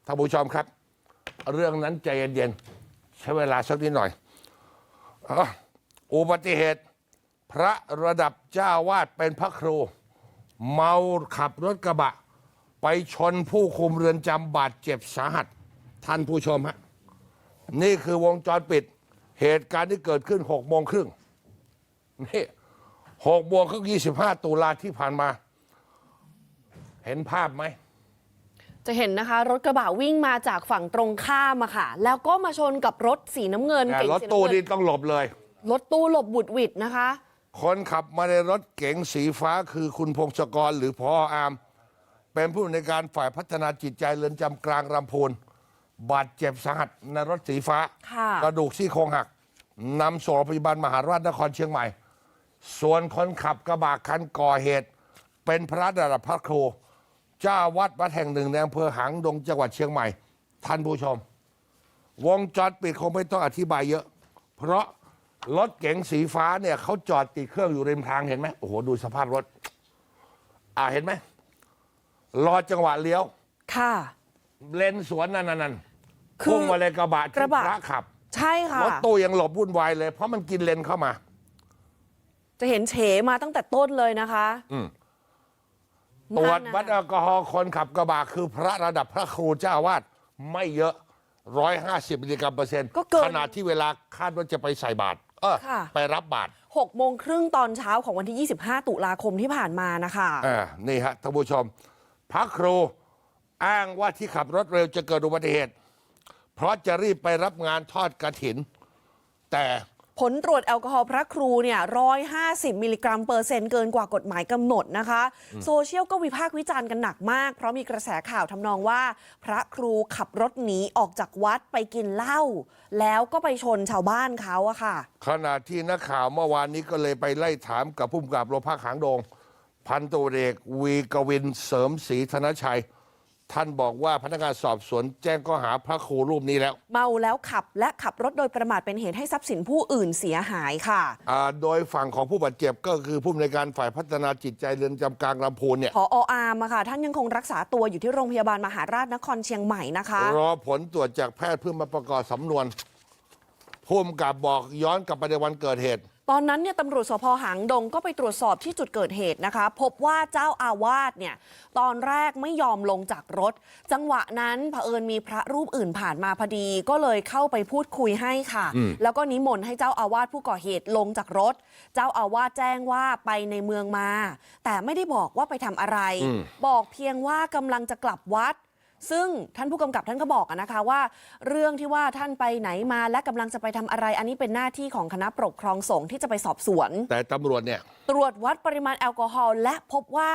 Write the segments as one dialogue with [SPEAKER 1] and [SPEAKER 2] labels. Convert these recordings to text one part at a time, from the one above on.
[SPEAKER 1] ท่านผู้ชมครับเรื่องนั้นใจเย็นๆใช้เวลาสักนิดหน่อยอุบัติเหตุพระระดับเจ้าวาดเป็นพระครูเมาขับรถกระบะไปชนผู้คุมเรือนจำบาดเจ็บสาหัสท่านผู้ชมฮะนี่คือวงจรปิดเหตุการณ์ที่เกิดขึ้น6:30นี่6:25 ตุลาที่ผ่านมาเห็นภาพไหม
[SPEAKER 2] จะเห็นนะคะรถกระบะวิ่งมาจากฝั่งตรงข้ามอะค่ะแล้วก็มาชนกับรถสีน้ำเงิน
[SPEAKER 1] รถตู้นี่ต้องหลบเลย
[SPEAKER 2] รถตู้หลบบุดหวิดนะคะ
[SPEAKER 1] คนขับมาในรถเก๋งสีฟ้าคือคุณพงศกรหรือพออามเป็นผู้ในวยการฝ่ายพัฒนาจิตใจเรือนจำกลางลำพูนบาดเจ็บสาหัสในรถสีฟ้ากระดูกซี่โครงหักนำส่งโรงพยาบาลมหาราชนครเชียงใหม่ส่วนคนขับกระบะคันก่อเหตุเป็นพระระดับพระครูเจ้าวัดแห่งหนึ่งในอำเภอหางดงจังหวัดเชียงใหม่ท่านผู้ชมวงจรปิดคงไม่ต้องอธิบายเยอะเพราะรถเก๋งสีฟ้าเนี่ยเขาจอดติดเครื่องอยู่ริมทางเห็นไหมโอ้โหดูสภาพรถเห็นไหมรอจังหวะเลี้ยว
[SPEAKER 2] ค่ะ
[SPEAKER 1] เลนสวนนั่นพุ่งมาเลยกระบะที่พระขับ
[SPEAKER 2] ใช่ค่ะ
[SPEAKER 1] รถตู้ยังหลบวุ่นวายเลยเพราะมันกินเลนเข้ามา
[SPEAKER 2] จะเห็นเฉมาตั้งแต่ต้นเลยนะคะ
[SPEAKER 1] ตรวจวัดแอลกอฮอล์คนขับกระบะคือพระระดับพระครูเจ้าวาดไม่เยอะ150 มิลลิกรัมเปอร์เซ็นต์ขณะที่เวลาคาดว่าจะไปใส่บาตรไปรับบาตร
[SPEAKER 2] 6:30ตอนเช้าของวันที่25 ตุลาคมที่ผ่านมานะคะ
[SPEAKER 1] นี่ฮะท่านผู้ชมพระครูอ้างว่าที่ขับรถเร็วจะเกิดอุบัติเหตุเพราะจะรีบไปรับงานทอดกฐินแต่
[SPEAKER 2] ผลตรวจแอลกอฮอล์พระครูเนี่ย150 มิลลิกรัมเปอร์เซ็นต์เกินกว่ากฎหมายกำหนดนะคะโซเชียลก็วิพากษ์วิจารณ์กันหนักมากเพราะมีกระแสข่าวทำนองว่าพระครูขับรถหนีออกจากวัดไปกินเหล้าแล้วก็ไปชนชาวบ้านเขาอะค่ะ
[SPEAKER 1] ขณะที่นักข่าวเมื่อวานนี้ก็เลยไปไล่ถามกับผู้กำกับโรงพักหางดงพันตำรวจเอกวีกวินเสริมศรีธนชัยท่านบอกว่าพนักงานสอบสวนแจ้งข้อหาพระครูรูปนี้แล้ว
[SPEAKER 2] เมาแล้วขับและขับรถโดยประมาทเป็นเหตุให้ทรัพย์สินผู้อื่นเสียหายค่ะ
[SPEAKER 1] โดยฝั่งของผู้บาดเจ็บก็คือผู้อำนวยการฝ่ายพัฒนาจิตใจเรือนจำกลางลำพูนเนี่ย
[SPEAKER 2] ผอ.อาร์มค่ะท่านยังคงรักษาตัวอยู่ที่โรงพยาบาลมหาราชนครเชียงใหม่นะคะ
[SPEAKER 1] รอผลตรวจจากแพทย์เพื่อมาประกอบสำนวนผู้กำกับบอกย้อนกลับไปในวันเกิดเหตุ
[SPEAKER 2] ตอนนั้นเนี่ยตำรวจสภ.หางดงก็ไปตรวจสอบที่จุดเกิดเหตุนะคะพบว่าเจ้าอาวาสเนี่ยตอนแรกไม่ยอมลงจากรถจังหวะนั้นเผอิญมีพระรูปอื่นผ่านมาพอดีก็เลยเข้าไปพูดคุยให้ค่ะแล้วก็นิมนต์ให้เจ้าอาวาสผู้ก่อเหตุลงจากรถเจ้าอาวาสแจ้งว่าไปในเมืองมาแต่ไม่ได้บอกว่าไปทำอะไรบอกเพียงว่ากำลังจะกลับวัดซึ่งท่านผู้กำกับท่านก็บอกนะคะว่าเรื่องที่ว่าท่านไปไหนมาและกำลังจะไปทำอะไรอันนี้เป็นหน้าที่ของคณะปกครองสงฆ์ที่จะไปสอบสวน
[SPEAKER 1] แต่ตำรวจเนี่ย
[SPEAKER 2] ตรวจวัดปริมาณแอลกอฮอล์และพบว่า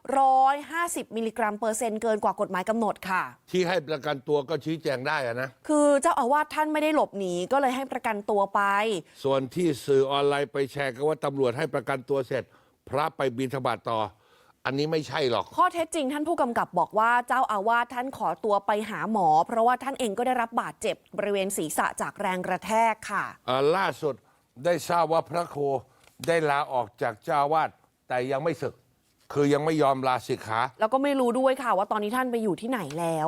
[SPEAKER 2] 150 มิลลิกรัมเปอร์เซ็นต์เกินกว่ากฎหมายกำหนดค่ะ
[SPEAKER 1] ที่ให้ประกันตัวก็ชี้แจงได้นะ
[SPEAKER 2] คือเจ้าอาวาสท่านไม่ได้หลบหนีก็เลยให้ประกันตัวไป
[SPEAKER 1] ส่วนที่สื่อออนไลน์ไปแชร์กันว่าตำรวจให้ประกันตัวเสร็จพระไปบิณฑบาตต่ออันนี้ไม่ใช่หรอก
[SPEAKER 2] ข้อเท็จจริงท่านผู้กำกับบอกว่าเจ้าอาวาสท่านขอตัวไปหาหมอเพราะว่าท่านเองก็ได้รับบาดเจ็บบริเวณศีรษะจากแรงกระแทกค่ะ
[SPEAKER 1] ล่าสุดได้ทราบว่าพระครูได้ลาออกจากเจ้าอาวาสแต่ยังไม่สึกคือยังไม่ยอมลาสิกขา
[SPEAKER 2] แล้วก็ไม่รู้ด้วยค่ะว่าตอนนี้ท่านไปอยู่ที่ไหนแล้ว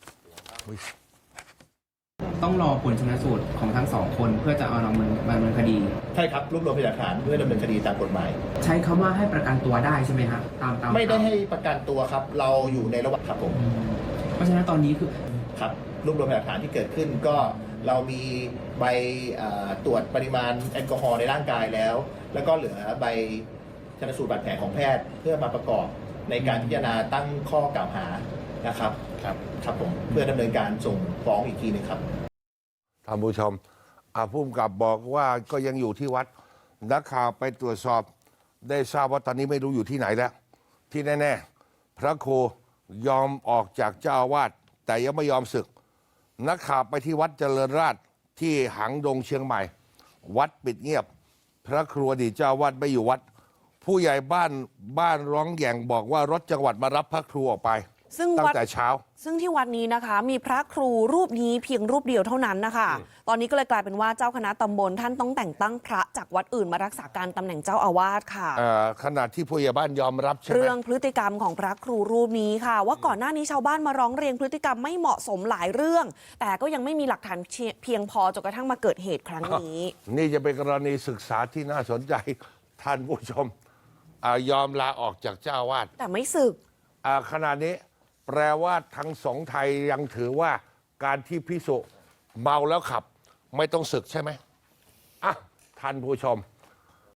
[SPEAKER 3] ต้องรอผลชนสูตรของทั้งสองคนเพื่อจะเอาดำเนินคดี
[SPEAKER 4] ใช่ครับรวบรวมพยานหลักฐานเพื่อดำเนินคดีตามกฎหมาย
[SPEAKER 3] ใช้คำว่าให้ประกันตัวได้ใช่ไหมครับตาม
[SPEAKER 4] ไม่ได้ให้ประกันตัวครับเราอยู่ในระหว่างครับผม
[SPEAKER 3] เพราะฉะนั้นตอนนี้คือ
[SPEAKER 4] ครับรวบรวมพยานหลักฐานที่เกิดขึ้นก็เรามีใบตรวจปริมาณแอลกอฮอล์ในร่างกายแล้วก็เหลือใบชนสูตรบาดแผลของแพทย์เพื่อมาประกอบในการพิจารณาตั้งข้อกล่าวหานะครับครับผมเพื่อดำเนินการส่งฟ้องอีกทีนึงครับ
[SPEAKER 1] ท่านผู้ชมผู้กำกับบอกว่าก็ยังอยู่ที่วัดนักข่าวไปตรวจสอบได้ทราบว่าตอนนี้ไม่รู้อยู่ที่ไหนแล้วที่แน่ๆพระครูยอมออกจากเจ้าอาวาสแต่ยังไม่ยอมสึกนักข่าวไปที่วัดเจริญราษฎร์ที่หางดงเชียงใหม่วัดปิดเงียบพระครูอดีตเจ้าอาวาสไม่อยู่วัดผู้ใหญ่บ้านร้องแหย่งบอกว่ารถจังหวัดมารับพระครูออกไป
[SPEAKER 2] ซึ่ง
[SPEAKER 1] ตั้
[SPEAKER 2] วั
[SPEAKER 1] ง
[SPEAKER 2] ด
[SPEAKER 1] แต่เช้า
[SPEAKER 2] ซึ่งที่วัดนี้นะคะ มีพระครูรูปนี้เพียงรูปเดียวเท่านั้นนะคะ ตอนนี้ก็เลยกลายเป็นว่าเจ้าคณะตำบลท่านต้องแต่งตั้งพระจากวัดอื่นมารักษาการตำแหน่งเจ้าอาวาสค่ะ
[SPEAKER 1] ขณะที่ผู้ใหญ่บ้านยอมรับใช่ไหม
[SPEAKER 2] เรื่องพฤติกรรมของพระครูรูปนี้ค่ะ ว่าก่อนหน้านี้ชาวบ้านมาร้องเรียนพฤติกรรมไม่เหมาะสมหลายเรื่อง แต่ก็ยังไม่มีหลักฐานเพียงพอจนกระทั่งมาเกิดเหตุครั้งนี้
[SPEAKER 1] นี่จะเป็นกรณีศึกษาที่น่าสนใจ ท่านผู้ชมยอมลาออกจากเจ้าอาวาส
[SPEAKER 2] แต่ไม่สึก
[SPEAKER 1] ขณะนี้แปลว่าทั้งสงฆ์ไทยยังถือว่าการที่พิสุเมาแล้วขับ ไม่ต้องศึกใช่ไหมอ่ะท่านผู้ชม